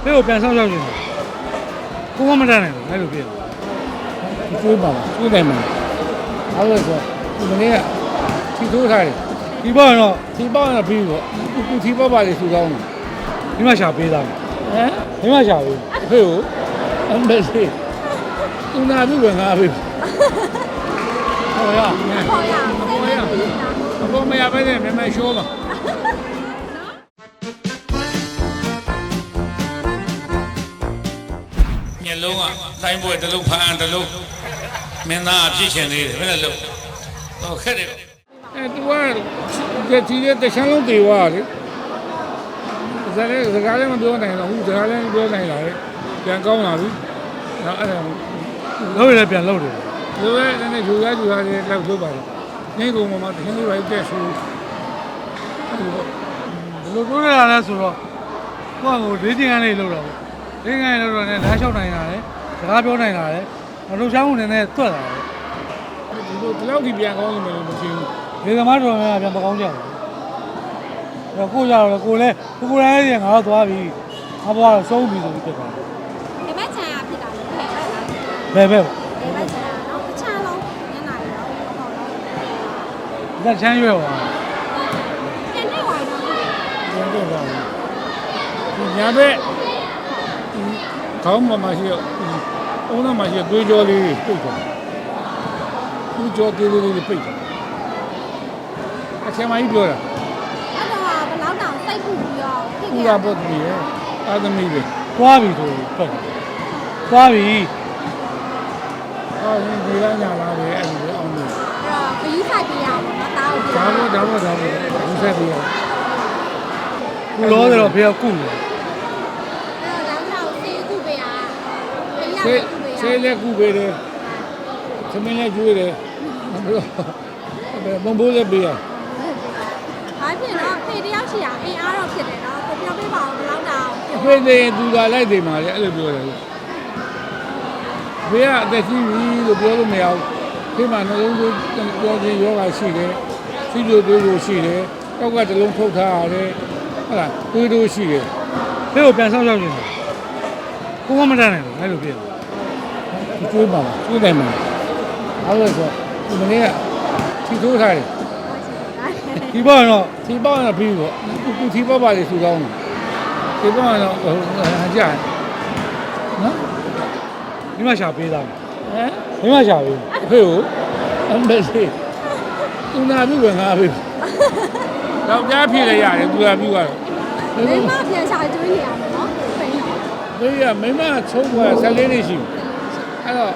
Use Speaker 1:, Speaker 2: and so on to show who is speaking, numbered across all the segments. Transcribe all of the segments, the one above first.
Speaker 1: ဖေကိုပြန်ဆောင်ရောက်နေတယ်ကိုကမတန်းနိုင်ဘူးအဲ့လိုဖြစ်တယ်ကျွေးပါလားကျွေးတယ်မှာအဲ့လိုဆိုဒီမနေ့ကထီထိုးထားတယ်ဒီပေါ့တော့ဒီပေါ့တော့ပြီးပေါ့သူထီပေါ့ပါလေစူကောင်းတယ်ဒီမှာရှာပေးသားဟမ်ဒီမှာရှာပေးဖေကိုအမ်ဘက်စီသူနာပြီဝင်ငါပြီဟောရအပေါ်မရပဲနဲ့မရှိုးပါ
Speaker 2: မျက်လုံးကတိုင်းပွဲတစ်လုံးဖန်တစ်လုံးမင်းသားအဖြစ်ရှင်သေးတယ်ဘယ်နဲ့လို့ဟောခက်တယ်
Speaker 1: သူကဒီတခြားလုံးတေဝါလေစကားလည်းမပြောနိုင်တော့ဘူးစကားလည်းမပြောနိုင်တာလေပြန်ကောင်းလာပြီနောက်အဲ့ဒါလုံးရပြန်လုံးတယ်လိုပဲနည်းနည်းယူရလေးလောက်လုပ်ပါလေငိမ့်ကုန်မှာတခင်းလေးပဲတက်ဆူဘယ်လိုပြောရလဲဆိုတော့ကိုယ့်ကို၄ကျင်းကနေလောက်တော့၄ကျင်းကနေလောက်တော့လည်းလမ်းလျှောက်နိုင်တာလေစကားပြောနိုင်တာလေလှုပ်ရှားမှုနည်းနည်းတွက်လာတယ်ဒီလောက်ဒီပြန်ကောင်းလို့မရှိဘူးဒီသမားတော်များပြန်မကောင်းကြဘူးကိုကြတော့ကိုလည်းကိုယ်လည်းငါတော့သွားပြီငါဘွားတော့ဆုံးပြီဆိုပြီးဖြစ်သွားတယ်
Speaker 3: ဒီဘက်ခြံကဖြစ်တာလေ
Speaker 1: ဘယ်
Speaker 3: ဒီဘက်ခြံနော်အချမ်းလုံးညနေရောဟုတ်တော့
Speaker 1: ဒီကချမ်းရွယ်ပါ
Speaker 3: ပြန်နေပါတော့
Speaker 1: ပြန်တော့ပါဒီညာဘက်ခေါင်းမှာရှိတော့အုံးတော့မှရှိသွေးကြောလေးပိတ်သွားသွေးကြောသေးလေးပိတ်သွားအချမ်းမကြီးပြောတာ
Speaker 3: အဲ့တော့ဘယ်လောက်တောင်စိတ်ပူပြီးတော့ဖြစ်
Speaker 1: ခဲ့တာပုတ်ပြီးရဲ့အာသမီပဲသွားပြီဆိုထွက်သွားပြီဒီကညာလာတယ်အဲ့ဒီအောင်လို့
Speaker 3: အဲ့တော့ခရီးဆိုင်ပြရအောင်နော်တားကို
Speaker 1: ဒါဘောဒီဆက်ပြရခုလောတော့ဖေကကုနေ
Speaker 3: အဲ့တော့တောင်းဆေးကုပေးရ
Speaker 1: ဆေးလည်းကုပေးတယ်သမင်းလည်းကျွေးတယ်ဘုံဘိုးလည်းပေးရ
Speaker 3: အားဖြင့်တော့ဖေတယောက်ရှိရအင်းအားတော့ဖြစ်တယ်နော်ကိုပြောပေးပါဦးဘယ်လောက်တောင်
Speaker 1: အဖေသေးသူကလိုက်သေးမှာလေအဲ့လိုပြောတယ်ဖေကအသက်ကြီးပြီလို့ပြောလို့မရဘူးဖေမှာနှလုံးသွေးကြောခြင်းယောဂရှိတယ်စီးကျိုးသွေးလို့ရှိတယ်တောက်ကတလုံးထုတ်ထားရတယ်ဟုတ်လားသွေးတို့ရှိတယ်ဖေကိုပြန်ဆောင်ရောက်နေတယ်ကိုကမတန်းနိုင်ဘူးအဲ့လိုဖြစ်တယ်ကျွေးပါလားကျွေးတယ်မှာအဲ့လိုဆိုဒီမနေ့ကထီထိုးထားတယ်ဒီပေါ့တော့ဒီပေါ့တော့ပြီးပေါ့သူဒီပေါ့ပါလေစူကောင်းတယ်ဒီပေါ့တော့ဟိုကြာနော်ဒီမှာရှာပေးသားဟမ်ဒီမှာရှာပေးအဖေကိုအမ်ဘက်စီသူနာပြီဝင်ငါပြီတော့ကြားဖြစ်လေရတယ်သူကပြီးသွား
Speaker 3: တော့မိမပြန်ရှာကျွေးနေရမှာနော်ဖိနေ
Speaker 1: ဘေးကမိမချုံးသွား14နှစ်ရှိအဲ့တော့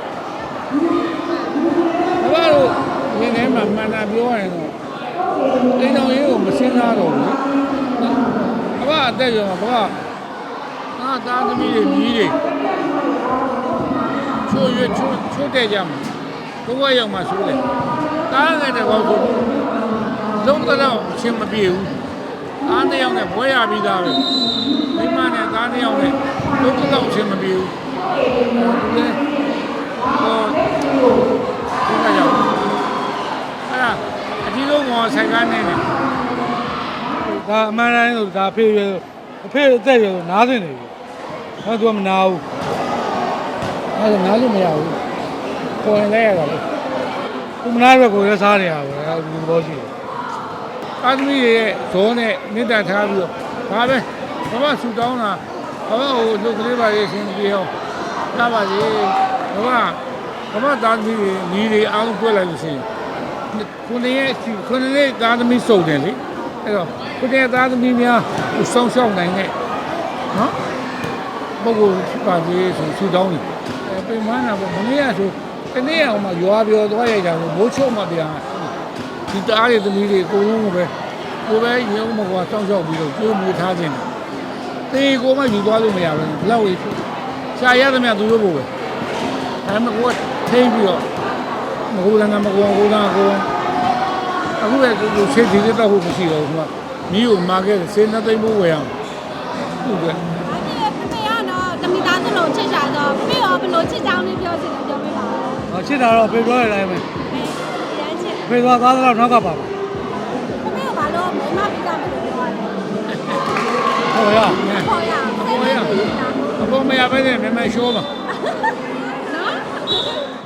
Speaker 1: ဘာလို့ဒီနေ့မှမှန်တာပြောရရင်တော့အိမ်တော်ရေးကိုမစင်းသားတော့ဘူးအဘအသက်ရောဘာသားသမီးတွေမြည်တွေချိုးတဲ့ကြမှာဘုရားရောက်မှဆိုးတယ်တားငယ်တဲ့ကောဆိုလုံးတော့အချင်းမပြေဘူးအားတစ်ယောက်နဲ့ဘွဲရပြီးသားပဲမိမနဲ့သားတစ်ယောက်နဲ့လုံးတော့အချင်းမပြေဘူးဒီလေဒီကရောက်အဲ့ဒါအကြီးဆုံးကဆိုင်ကားနေတယ်ဒါအမှန်တိုင်းဆိုဒါအဖေအသက်ရနားစင်နေပြီတော့သူကမနာဘူးအဲ့ဒါနားလို့မရဘူးကိုယ်လည်းရတာလေသူမနာတော့ကိုယ်လည်းစားနေရပါဘူးအဲ့ဒီဘောရှိတယ်အာသမီရဲ့ဇောနဲ့မေတ္တာထားပြီးတော့ဒါပဲဘာမှဆူတောင်းတာဘာမှဟိုလူကလေးပါရေးရှင်ပြေအောင်တာပါလေဘာမှသားသမီးတွေညီတွေအားလုံးတွေ့လိုက်လို့ရှိရင်ခုနှစ်သားသမီးစုံတယ်လေအဲ့တော့ခုနှစ်သားသမီးများစောင့်ရှောက်နိုင်တဲ့နော်ပုဂ္ဂိုလ်ဖြစ်ပါစေဆိုဆူတောင်းတယ်ပြင်မနာပေါ့မနေ့ကဆိုတနေ့အောင်မှရွာပြောသွားရကြလို့မိုးချုပ်မှပြန်ဒီတားတွေသမီးတွေအကုန်လုံးကိုပဲရုံးမကွာစောင့်ရှောက်ပြီးတော့ကျိုးမူထားခြင်းတေးကိုမှယူသွားလို့မရဘူးဘလောက်ကြီးရှာရသမျှသူတို့ကိုပဲဒါမှမဟုတ်ထိန်းပြီးတော့မဟုတ်လည်းမကောကိုသားကိုအခုလည်းသူရှေ့ဒီတော့ဟုတ်မရှိတော့ဘူးကွာမီးကိုမာခဲ့စေးနှစ်သိမ့်ဖို့ဝယ်အောင်ဟုတ်ကဲ့
Speaker 3: ဖေကတော့တမိသားစုလုံးချစ်ကြတော့ဖေရောဘယ်လိုချစ်ကြောင်းလေးပြောချင်တယ်ပြောပြပါဦး
Speaker 1: ချစ်တာတော့ဖေပြောရတိုင်းပဲဖေသွားသားတော့နောက်ကပါပါ
Speaker 3: ဖေကဘာလို့မိမပြီးသားမလို့ပြောရလဲ
Speaker 1: ဟောရ
Speaker 3: ဟောရ
Speaker 1: မရပဲနဲ့မြန်မြန်ရှိုးမှာ
Speaker 3: နော်